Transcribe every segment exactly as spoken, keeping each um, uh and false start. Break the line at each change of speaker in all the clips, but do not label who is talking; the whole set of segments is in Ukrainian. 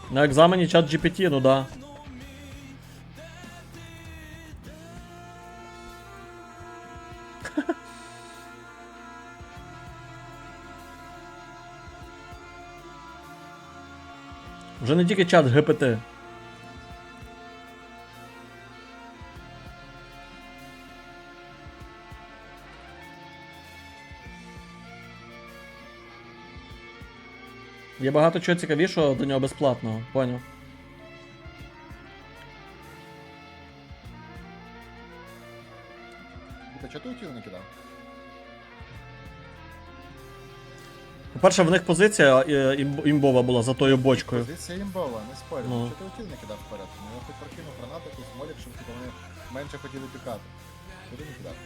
На екзамені чат джі пі ті, ну да. Вже не тільки чат джі пі ті. Є багато чого цікавішого до нього безплатного, поняв?
Та чого ти тіло не кидав?
По-перше, в них позиція е, імб- імбова була за тою бочкою.
Позиція імбова, не спорю.
Ну.
Чого ти тіло не кидав вперед? Ну я хоч прокинув гранату, якусь молік, щоб типу, вони менше хотіли пікати. Куди не кидав?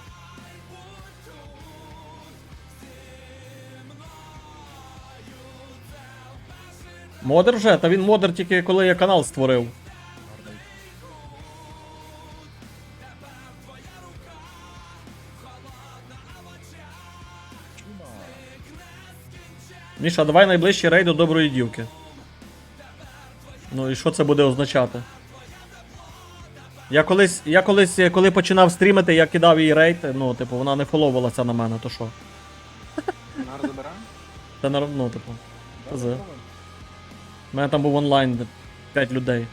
Модер вже? Та він модер тільки коли я канал створив.
Гарний. Чума.
Міша, давай найближчий рейд до доброї дівки. Ну і що це буде означати? Я колись, я колись, е, коли починав стрімити, я кидав їй рейд, ну, типу, вона не фоловувалася на мене, то що?
Нар забираємо?
Це не, ну, типу.
Да,
З.
здорово.
У мене там був онлайн, де п'ять людей.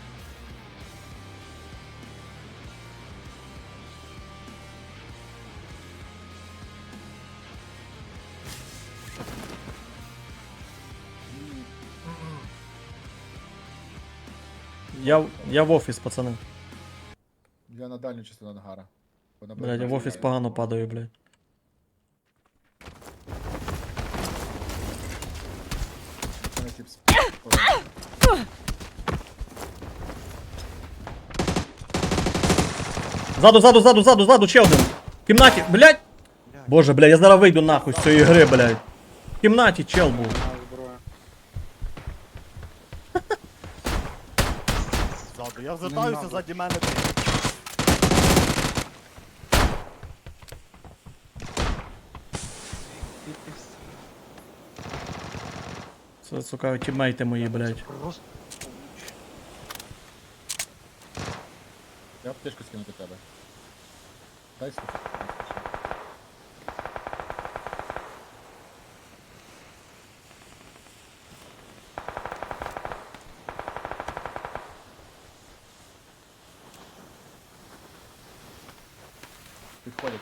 Я, в- я в офіс, пацани.
Я на дальню частину ангара. Вона
Блядь, я в офіс погано падаю, блядь.
Мене тип з-
Ззаду, ззаду, ззаду, ззаду, ззаду, ще один. В кімнаті, блядь. Боже, блядь, я зараз вийду нахуй з цієї гри, блядь. В кімнаті чел був.
Нар зброя.
Ззаду, я звертаюся
надо.
ззаді мене.
Це, сука, тіммейти мої, блядь.
Просто
Я аптечку скину до тебе. Дай сюди. Підходять.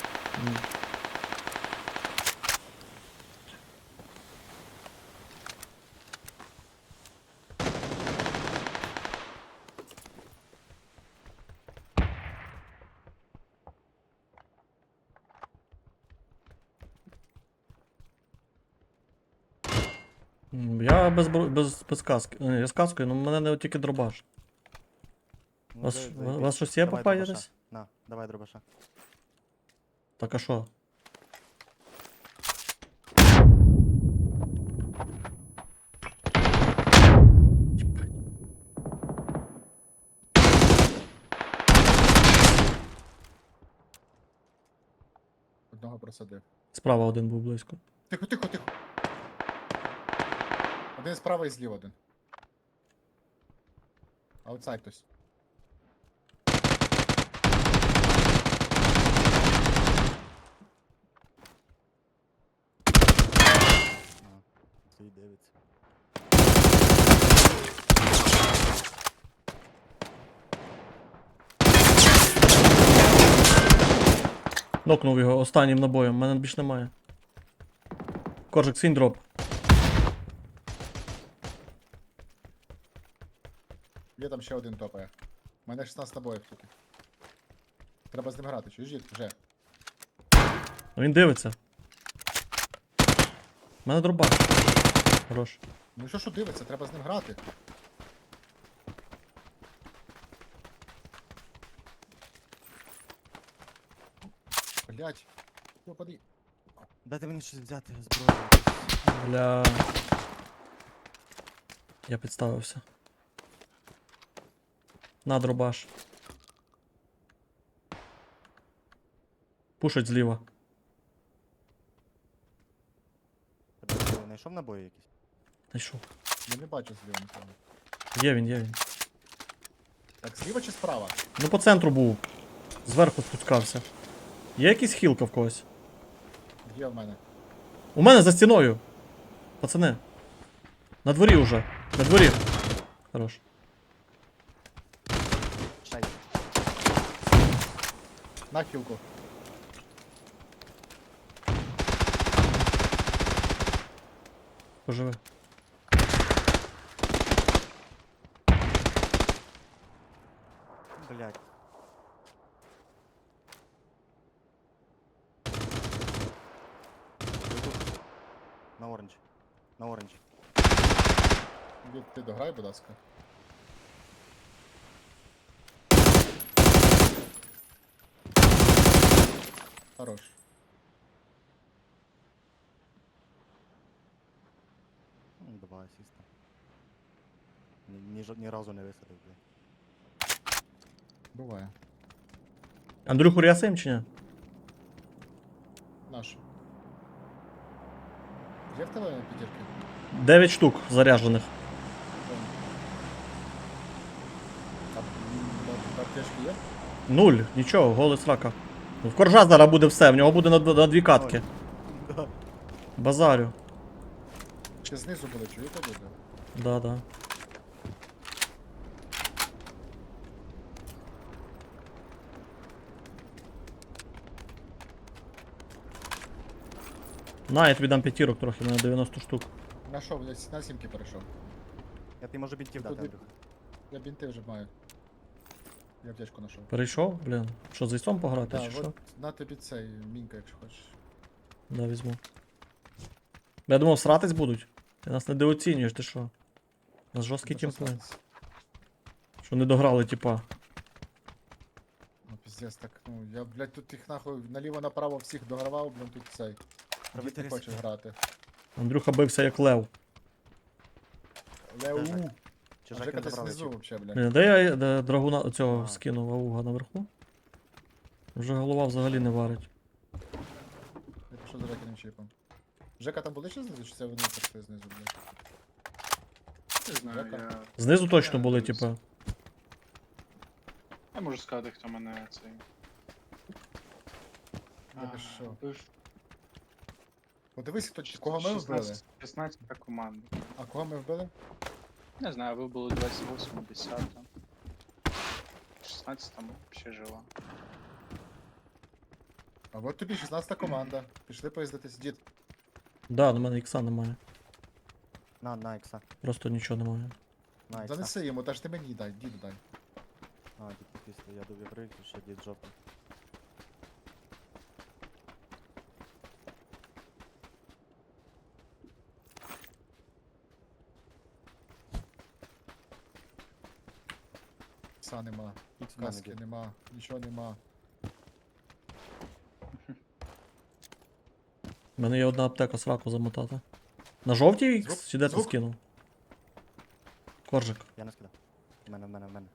М, Я без, бро- без, без каски. Е, Я з каскою, ну в мене не тільки дробаш.
Ну,
Вас-
за-
ва-
заєбісь.
вас щось є
Давай
по пані
дробаша.
десь?
На, давай дробаша.
Так а що? Єбать.
Одного просадив.
Справа один був близько.
Тихо, тихо, тихо. Один справа і зліва один. Аутсайд хтось.
На, стоїть дивиться.
Нокнув його останнім набоєм, в мене більш немає. Коржик, синь дроп.
Є там ще один топає. У мене шістнадцять набоїв тільки. Треба з ним грати, чуєш, дід? Вже.
Ну, він дивиться. У мене дроба. Хорош.
Ну що що дивиться, треба з ним грати. Блять. Йопади.
Дайте мені щось взяти зброю.
Бля. Я підставився. На дробаш. Пушить зліва.
Тебе знайшов набої якісь?
Знайшов.
Я не бачу зліва нікого.
Є він, є він.
Так, зліва чи справа?
Ну по центру був. Зверху спускався. Є якийсь хілка в когось?
Є в мене.
У мене за стіною. Пацани. На дворі уже. На дворі. Хорош.
Шай.
На хілку.
Поживи.
Блять. На оранж. На оранж.
Дід, ти дограй, будь ласка. Хорош.
Ну, Два асіста. Ні, ні, жо- ні разу не висадив, блядь.
Буває.
Андрюху рясаєм чи ні?
Наш. Є в тебе п'ятірки?
Дев'ять штук заряджених.
А м, на- на аптечки є?
Нуль, нічого, голий срака. Ну, в коржа зараз буде все, в нього буде на, д- на дві катки.
Да.
Базарю.
Чи знизу були, чуєте люди?
Да, да. На, я тобі дам п'ятірок трохи, у мене дев'яносто штук.
Нашов, я с- на сімки перейшов.
Я ти можу бінтів дати,
Туди-
Андрюха.
Я бінти вже маю. Я аптечку знайшов.
Перейшов, блін. Що, з ісом пограти,
Так,
чи що?
от на тобі цей мінка, якщо хочеш.
Да, візьму. Я думав, сратись будуть. Ти нас недооцінюєш, ти що? У нас жорсткий
За що
тімплей.
сратись?
Що не дограли, типа.
Ну піздець, так, ну я, блядь, тут їх нахуй наліво-направо всіх догравав, блін, тут цей. Дід
Правитель
не хоче
ризикує.
грати.
Андрюха бився як лев.
Леу.
Жека.
А
Чужаки
Жека
не
десь
забрали
внизу
чіп.
вообще, блядь.
Блін, де я де драгуна цього
А.
скинув ауга наверху? Вже голова взагалі не варить.
Я пішов за Жекиним чіпом. Жека там були ще знизу, чи це вони прийшли знизу, блядь?
Не знаю,
Жека.
я...
Знизу точно
Я
були,
дивлюсь.
типа.
Я можу сказати, хто мене цей...
Я
А,
пішов.
вбив.
Подивись, хто, кого ми вбили.
шістнадцять шістнадцята команда.
А кого ми вбили?
Не знаю, ви були двадцять восьма, десята. шістнадцять там ще жива.
А от тобі шістнадцята команда. Пішли поїздитись. Дід,
Да, на мене ікса немає.
На, на ікса.
Просто нічого немає.
На ікса.
занеси йому, та ж ти мені дай, діду дай.
А, дід після, я довів рейк, ще дід жовтий.
Пса нема,
Ікс в мене
каски
дід.
нема, нічого нема.
У мене є одна аптека сраку замотати. На жовтій ікс?
Звук-
Чи де ти
звук?
скинув? Коржик.
Я не скидав. В мене, в мене, в мене.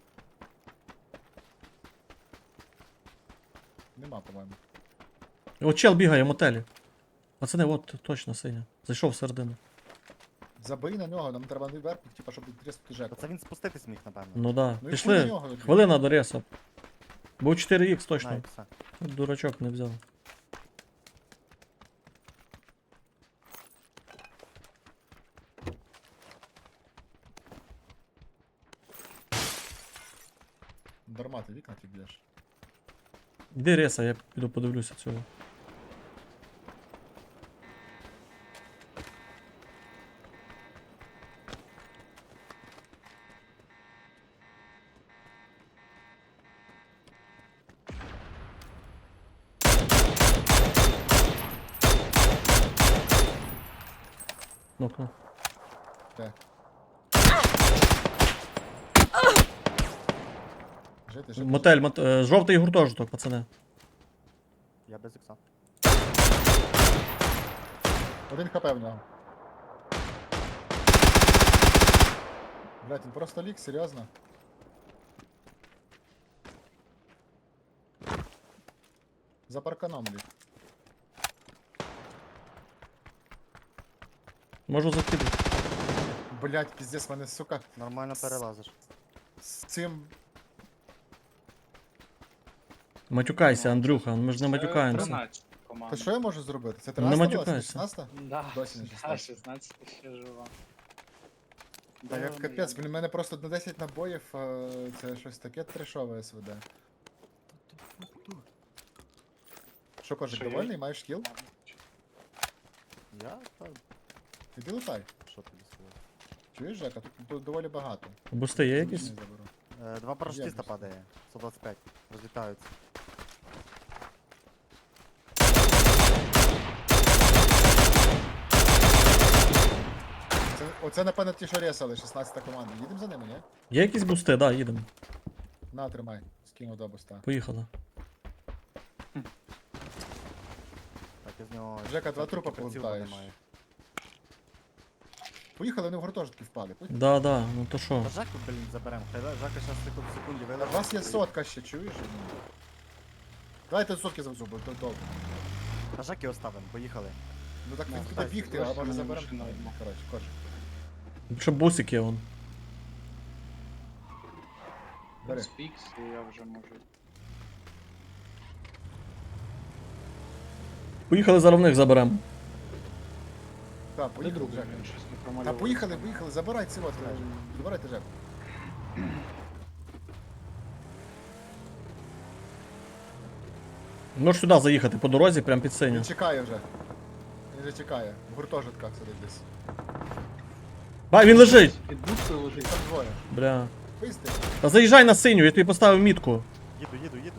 Нема, по-моєму.
От чел бігає в мотелі. Пацани, от точно синя. Зайшов всередину.
Забий на нього, нам треба не вверх, типа, щоб тріснути Жеку.
Та це він спуститись міг, напевно.
Ну да.
Ну і хуй на
Пішли.
нього, блін.
Хвилина до реса. Був чотири ікс
На
точно.
ікса.
Дурачок не взяв.
Дарма ти вікна ті б'єш.
Де реса, я піду подивлюся цього. Ну-ка.
Де? Жити, жити.
Мотель, мот... е, жовтий гуртожиток, пацани.
Я без ікса.
Один хп в нього. Блять, він просто лік, серйозно. За парканом лік.
Можу закидати.
Блять, піздець, мене, сука,
Нормально перелазиш.
з цим.
Матюкайся,
Ну,
Андрюха, ми ж не
Це
матюкаємося.
тринадцята команда.
Та що я можу зробити? Це
Ну,
тринадцята
не
була?
матюкайся.
шістнадцята?
Да,
Досі не
да,
шістнадцята.
шістнадцята ще жива.
Та
Де
як
вони,
капець,
я
блін, у мене просто на десять набоїв, е, це щось таке трешове СВД. Що, кожик,
Що, я-
довольний? Маєш кіл?
не знаю.
Я? Та,
Іди лутай.
що тобі сказати?
Чуєш, Жека? Тут, тут доволі багато.
Бусти є
Не
якісь?
заберу.
Е, Два парашутиста
просто.
падає. сто двадцять п'ять. Розлітаються.
Це, оце, напевно, ті, що ресали, шістнадцята команда. Їдемо за ними, ні?
Є якісь бусти, да, їдемо.
На, тримай. Скинув до буста.
Поїхали.
Так, із нього...
Жека, два
тільки
трупа
прицілу
повертаєш.
немає.
Поїхали, вони в гуртожитки впали. Поїхали.
Да, да, ну то що?
Та Жаку, блін, заберемо. Хай Жака зараз секунд в секунді
У
вилежить.
вас є сотка ще, чуєш? Давайте сотки завезу, бо то довго.
Та Жаки оставимо, поїхали.
Ну так
Ну,
він буде
так,
бігти, а
просто
може
на
заберемо.
машину йдемо.
Коротше, коротше.
Ще бусик є вон.
Бери.
Спікс, і я вже можу.
Поїхали зараз в них заберемо.
Так,
Де
поїхали,
другий?
Жека.
Він щось не
Та
промалював.
поїхали, поїхали, забирай ці от, забирайте Жеку.
Можеш сюди заїхати по дорозі, прям під синю.
Він чекає вже. Він вже чекає. В гуртожитках сидить десь.
Бай, він лежить!
Під бухтою
Їх
лежить.
там двоє.
Бля.
Пизди.
Та заїжджай на синю, я тобі поставив мітку.
Їду, їду, їду.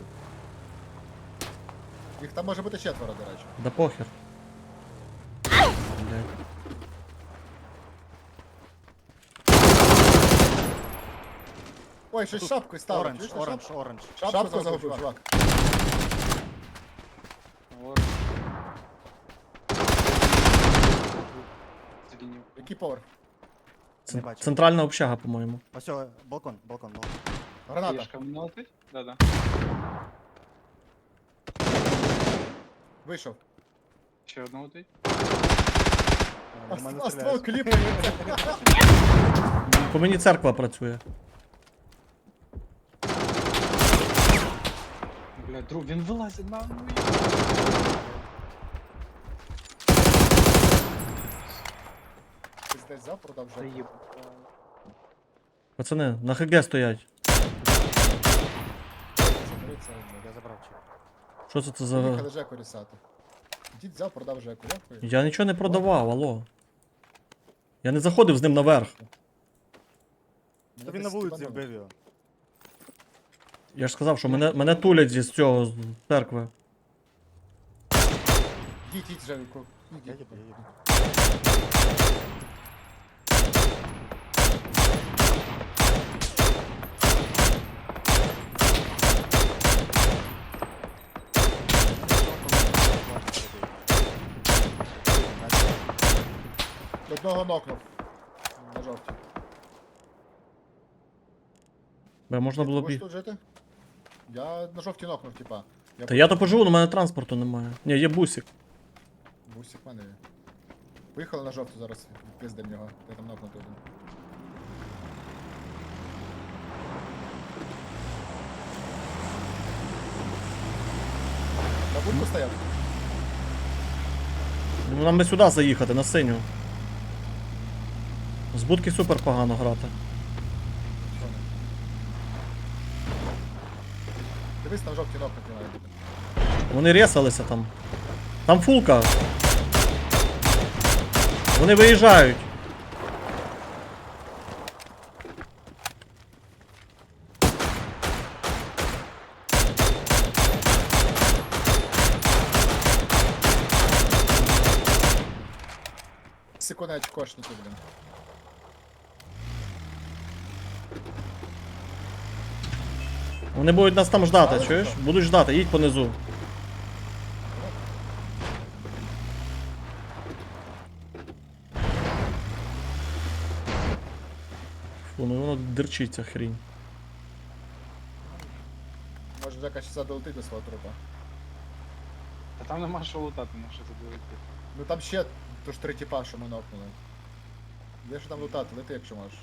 Їх там може бути четверо, до речі.
Да похер. Блядь.
Ой, щось шапкою стало.
Оранж,
чуєш, на
оранж,
шапку?
оранж.
Шапку загубив, чувак.
Ор. Зрінів.
Який поверх?
Не бачу.
Центральна общага, по-моєму.
Ось, о, балкон, балкон, балкон.
Граната.
Єшка мене летить? Да-да.
Вийшов.
Ще одна летить.
Е,
А
в мене
а ствол
стріляють.
кліпається.
По мені церква працює.
Бля, друг, він вилазить на мою.
Ти десь взяв, продав вже.
Заїб.
Пацани, на ХГ стоять.
Я забрав чек.
Що це це за.
Поїхали Жеку рісати. Дід взяв, продав Жеку. Дякую.
Я нічого не продавав, алло. Я не заходив з ним наверх.
Та він на вулиці вбив його.
Я ж сказав, що мене, мене тулять зі з цього з церкви.
Їдь, їдь, Жеку. Їдь,
Я
їдь.
їду, я їду.
Одного нокнув. На жовтій.
Бе, можна було
Можеш
б.
тут жити? Я на жовтій нокнув, типа.
Та я то поживу, але у мене транспорту немає. Ні, є бусик.
Бусик в мене є. Поїхали на жовту зараз, пиздем його. Я там нокнутий один. На будку стояв?
Ну нам би сюди заїхати, на синю. З будки супер погано грати.
Що не? Дивись, на жовтій нокнуті має бути.
Вони ресалися там. Там фулка. Вони виїжджають.
Секуndi очкошники, блін.
Вони будуть нас там ждати,
Але
чуєш?
що?
Будуть ждати, їдь понизу. Фу, ну воно дерчить ця хрінь.
Може Жека ще долетить до свого трупа.
Та там нема що лутати, на що це долетить.
Ну там ще то ж три тіпа, що ми нокнули. Є що там лутати, лети, якщо можеш.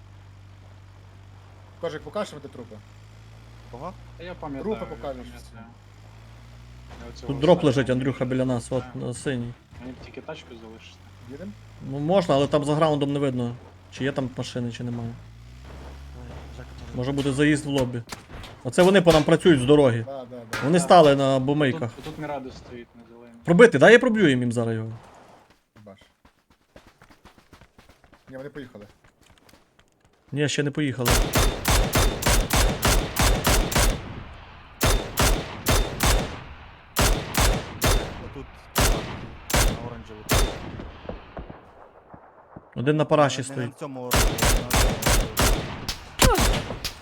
Кожик, покажеш мені трупи?
Кого?
Та я пам'ятаю.
Трупи
я
покажеш
пам'ятаю. Я оцього
Тут дроп
останнього
лежить, Андрюха, біля нас, от
знаю.
на синій.
Мені б тільки тачку залишити.
Їдем?
Ну можна, але там за граундом не видно, чи є там машини, чи немає.
Ой, Жека, може-
Може буде заїзд в лобі. Оце вони по нам працюють з дороги.
Да, да, да.
Вони стали на бумейках.
Тут, тут Мірадо стоїть на зеленій.
Пробити, дай я проб'ю їм зараз його.
Баш. Ні, вони поїхали.
Ні, ще не поїхали.
Отут. На оранжеву.
Один на параші
Не- не
стоїть.
на цьому оранжевому, на цьому оранжевому.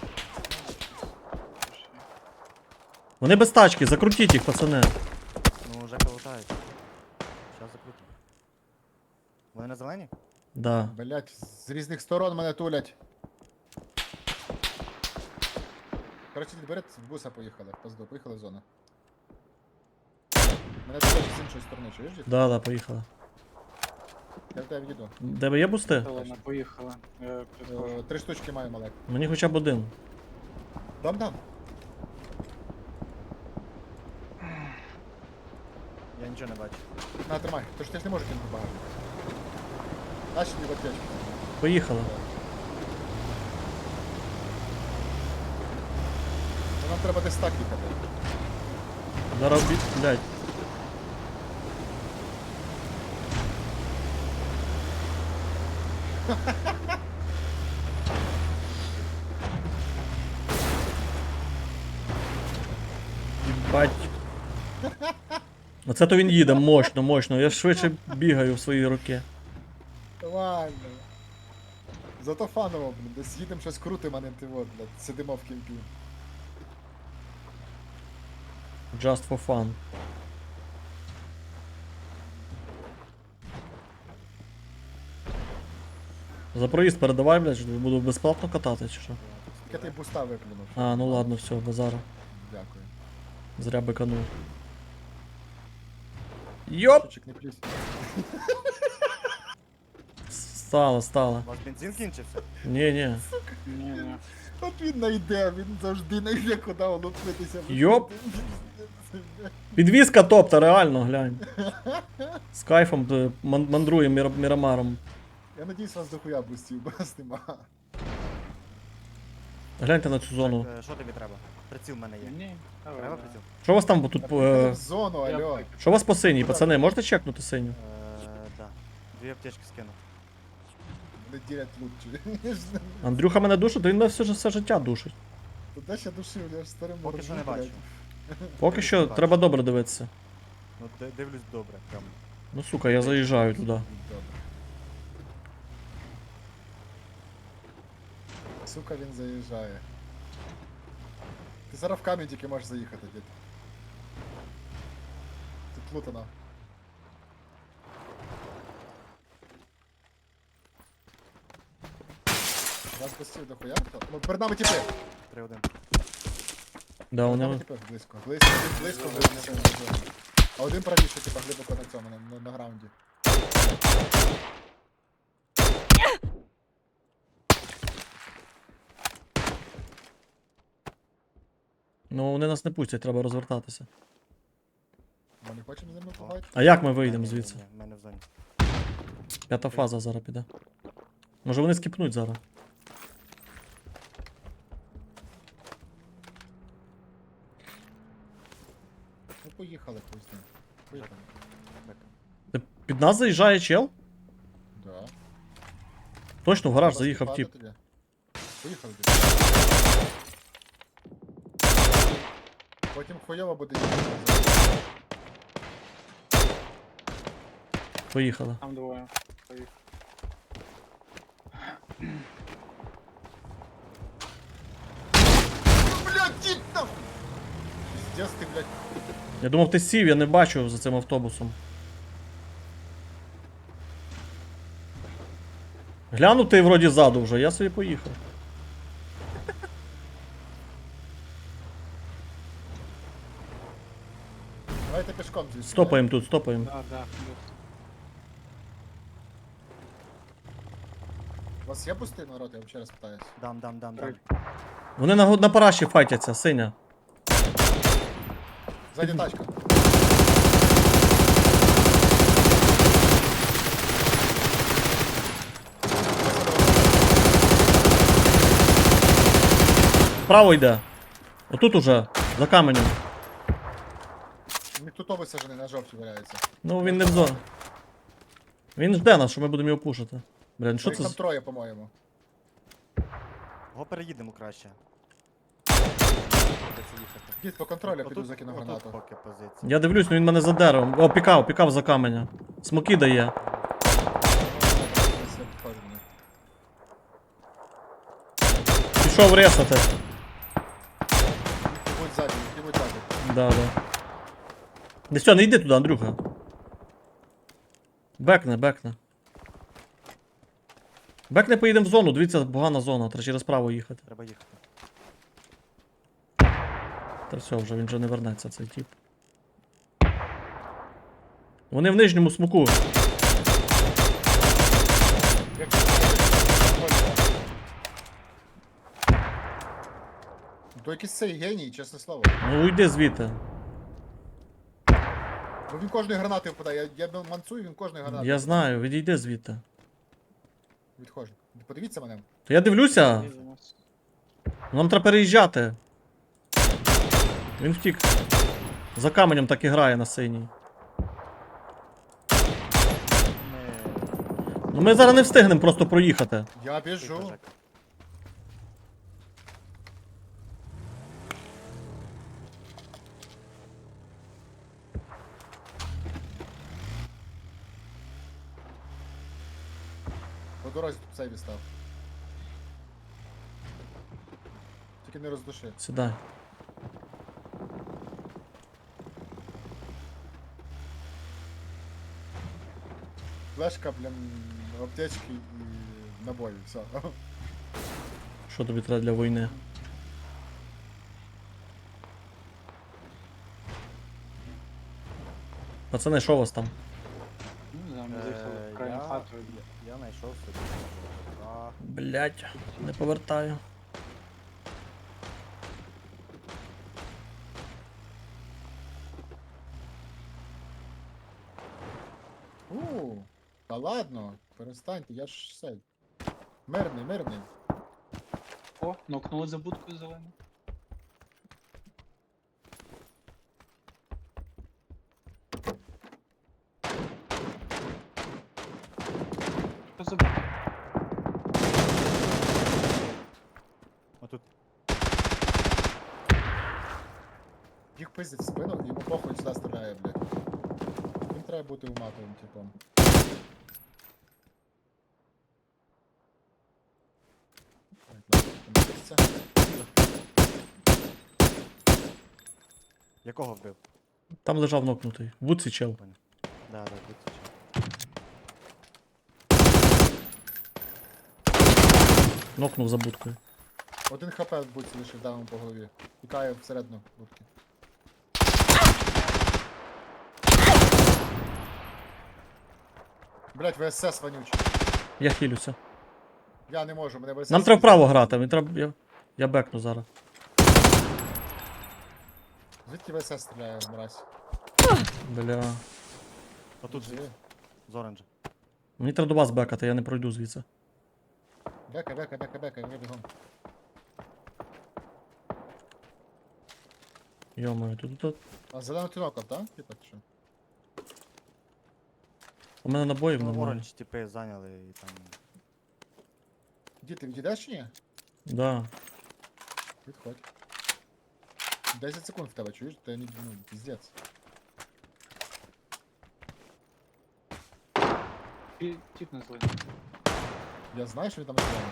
Вони без тачки, закрутіть їх, пацани.
Ну, Жека лутає. Щас закрутим. Вони на зелені?
Да.
Блять, з різних сторон мене тулять. Коротше, берет, в буса поїхали, в пизду, поїхали в зону. Мене тулять з іншої сторони, чуєш? дід?
Да, да, поїхали.
Я в тебе відійду.
В тебе є бусти?
Зелена, поїхала. Я підходжу.
Е, Три штучки маю, малек.
Мені хоча б один.
Дам дам.
Я нічого не бачу.
На, тримай, тож ти ж не можеш кинути багажник. Наші дві аптечки.
Поїхали.
Ну, нам треба десь так їхати.
Зараз бі... блядь. Бать. Оце то він їде мощно, мощно. Я швидше бігаю в свої руки.
Нормально. Зато фаново, блін, десь їдемо щось крутимо, а не ти от, блядь, сидимо в кімпі.
Just for fun. За проїзд передавай, блядь, що буду безплатно катати, чи що?
Тільки ти буста виплюнув.
А, ну ладно, все, базара.
Дякую.
Зря биканув. Йоп!
Чучик, не плюсь.
Стало, стало.
У вас бензин кінчився?
Ні, ні.
Ні, ні.
От він найде, він завжди найде, куди улупитися.
Йоп. Підвізка топта, реально, глянь. З кайфом е, ман- мандрує мір- мірамаром.
Я надіюсь, вас дохуя бустів, бо нас нема.
Гляньте на цю зону.
Е, Що тобі треба? Приціл в мене є.
Ні, давай.
Треба
давай.
приціл?
Що у вас там тут?
Е...
Е...
В зону,
Я
алло.
так.
Що у вас по синій, пацани? Можете чекнути синю?
Е, да. Дві аптечки скину.
Вони ділять лут, чуєш?
Андрюха мене душить, то він мене все, ж- все життя душить.
Туди ще душив, я ж старим
Поки що не
моржу,
бачу.
блядь.
Поки що
Бачу.
треба добре дивитися.
Ну, ди- дивлюсь добре, прям.
Ну сука, я заїжджаю туди.
Добре. Сука, він заїжджає. Ти зараз в камінь тільки можеш заїхати, дід. Тут плутано. Вас постів до хуя? хто? Ну, перед нами тіпи.
три один.
Да,
Перед нами
вони...
тіпи близько. Близько, один близько, близько. А один правіше, типа, глибоко на цьому, на, на, на граунді.
Ну вони нас не пустять, треба розвертатися.
Ми не хочемо з ними побачити?
А як ми вийдемо
Ні, ні,
звідси?
ні, в мене в зоні.
П'ята фаза зараз піде. Може вони скіпнуть зараз.
Ну поїхали хуй з ним. Поїхали.
Ти під нас заїжджає чел?
Да.
Точно в гараж
Треба
заїхав
скіпати
тип.
тоді. Поїхали тоді. Потім хуйово буде їхати.
Поїхали.
Там двоє. Поїхали.
Блядь, дід там! Пиздец ти, блядь.
Я думав, ти сів, я не бачу за цим автобусом. Глянув ти вроді ззаду вже, я собі поїхав.
Давайте пішком звідси.
Стопаємо тут, стопаємо.
Да, да.
вас є пустий народ, я ще раз питаюсь.
Дам, дам, дам, дам.
Вони на, го- на параші файтяться, синя.
Ззаді тачка.
Вправо йде. Отут уже, за каменем.
Він тут висаджений на жовті валяється.
Ну він не в зоні. Він жде нас, що ми будемо його пушити. Блін, що
Їх
це?
там
з-
троє, по-моєму.
Го переїдемо краще. Придеться їхати.
Дід, по контролю
Отут-
піду закину
отут
гранату.
поки позиція.
Я дивлюсь, ну він мене за деревом. О, пікав, пікав за каменя. Смоки дає.
Я підходжу до них.
Пішов ресати.
Їх будь ззаді, їх будь ззаді.
Да, да. Не все, не йди туди, Андрюха. Бекне, бекне. Бекне поїдемо в зону, дивіться, погана зона, треба через право їхати.
Треба їхати.
Та все, вже він вже не вернеться, цей тип. Вони в нижньому смоку.
Як це контроль? То якийсь цей геній, чесне слово.
Ну уйди звідти.
Бо він кожної гранати впадає. Я, я манцую, він кожної гранати.
Я знаю, відійди звідти.
Відходжу. Подивіться мене.
То я дивлюся,
Їдемось.
нам треба переїжджати. Він втік. За каменем так і грає на синій.
Ми...
Ну ми зараз не встигнемо просто проїхати.
Я
Тихо,
біжу.
Жек.
По дорозі тут цей відстав. Тільки не роздуши.
Сідай.
Флешка, блін, аптечки і набої, все.
Що тобі треба для війни? Пацани, що у вас там?
Ну, не знаю, ми заїхали
Е,
в крайню
я-
хату.
Я знайшов собі. А,
Блять, не повертаю.
У, та ладно, перестаньте, я ж все. Мирний, мирний.
О, нокнули за будкою зелену. Що за будка?
отут.
Їх пиздять в спину, йому похуй сюди стріляє, блядь. Він треба бути уматовим, типом. Так, ладно, там місце.
Якого вбив?
Там лежав нокнутий. В будці чел.
Да, да, тут.
Нокнув за будкою.
Один хп в будці лишив, дав йому по голові. Тікає всередину будки. Блять, ВСС вонючий.
Я хилюся.
Я не можу, мене ВСС.
Нам треба вправо грати, мені треба. Я, я бекну зараз.
Звідки ВСС стріляє, мразь?
Бля.
Отут
Живи.
з оранжа.
Мені треба до вас бекати, я не пройду звідси.
Бека, бека, бека, бека, я бігом.
Йомаю, тут, тут.
А зелену ти нокав, так? Типа, чи що?
У мене набоїв
Ну,
немає.
оранж типи зайняли і там.
Дід, ти відійдеш чи ні?
Да.
Відходь. десять секунд в тебе, чуєш? Ти не, ну, піздець.
Ті- Тіп на зелену.
Я знаю, що він там зелений.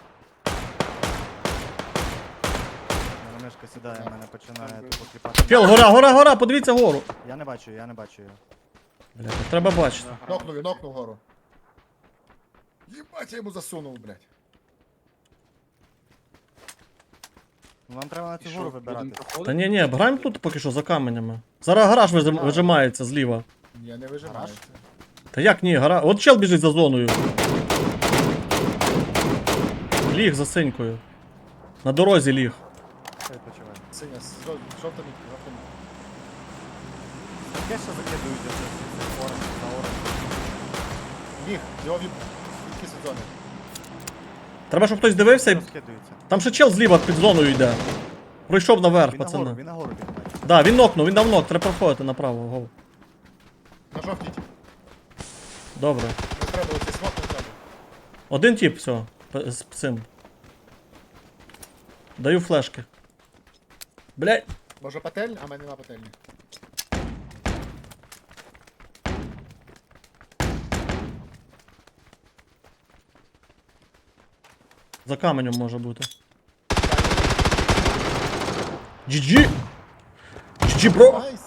Мене мишка сідає,
Так.
мене починає
Так,
тупо кліпати.
Чел, гора, гора, гора, подивіться гору.
Я не бачу, я не бачу його.
Бля, так треба бачити.
Нокнув, він нокнув гору. Єбать, я йому засунув, блядь.
Ну нам треба на
І
цю
що,
гору
будемо
вибирати.
Та
проходити?
ні, ні, граємо тут поки що за каменями. Зараз гараж вижим-
А.
вижимається зліва.
Я не вижимаю.
Гараж?
Та як ні, гара. От чел біжить за зоною. Ліг за синькою. На дорозі ліг.
Хай відпочиває.
Синя, з жов- жовта мітка, жовта мітка.
Таке ще закидують, я це оранж, на оранж.
Ліг, його від... відкис від зони.
Треба, щоб хтось дивився. і-
Розкидується.
Там ще чел зліва під зоною йде. Пройшов наверх,
Він нагору,
пацани.
він нагору піднімає.
Да, він нокнув, він дав нок, треба проходити направо. Гол.
На жовтій.
Добре.
Не треба, оцей смок не треба.
Один тип, все. п- З цим. Даю флешки. Блять.
Може пательня? А в мене нема пательні.
За каменем може бути. джі джі! джі джі, бро!
Найс!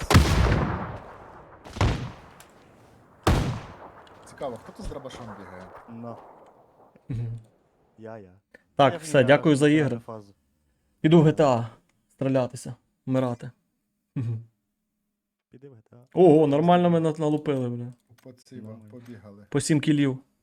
Цікаво, хто тут з дробашом бігає?
Ну, я, я.
Так,
Я в
все,
ній
дякую за
граю
ігри.
фазу.
Піду в джі ті ей стрілятися, вмирати. Мгм.
Піди в ГТА.
Ого, нормально ми на- налупили, бля.
По ці,
Нормально.
побігали.
По сім кілів.